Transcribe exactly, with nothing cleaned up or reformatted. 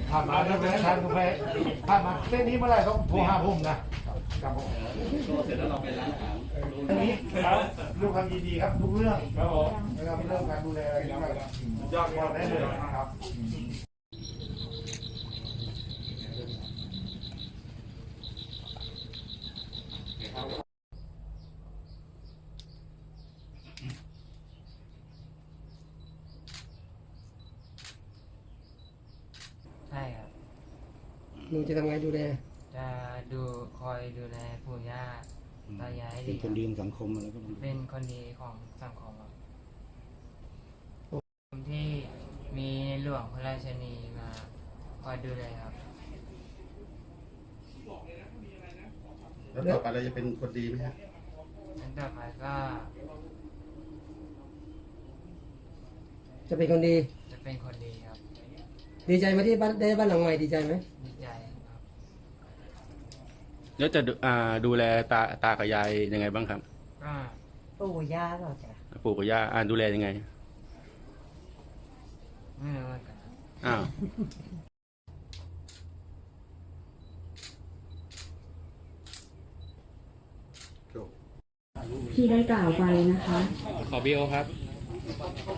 ผ่านมาแล้วไปทานกาแฟผ่านมาเส้นนี้เมื่อไหร่ต้องโทรหาผมนะครับผมเสร็จแล้วเราไปร้านอาหารอันนี้ครับลูกความยินดีครับทุกเรื่องครับผมนะครับเรื่องการดูแลอะไรนะครับยอดได้เลยครับใช่ครับหนูจะทำไงดูแลจะดูคอยดูแลปู่ย่าตายายให้เป็ดีนคนดีของสังคมอะไรก็ต้องเป็นคนดีของสังคมครับผมที่มีในหลวงพระราชินีมาคอยดูแลครับแล้วต่อไปเราจะเป็นคนดีไหมฮะนั้นต่อไปก็จะเป็นคนดีจะเป็นคนดีครับดีใจไหมที่บ้านได้บ้านหลังใหม่ดีใจไหมดีใจครับแล้วจะดูอ่าดูแลตาตากับยายยังไงบ้างครับก็ปู่ย่าเราจ้ะปู่กับย่าอ่าดูแลยังไงไม่รู้เหมือนกันครับอ้าวที่ได้กล่าวไปนะคะขอบีโอครับ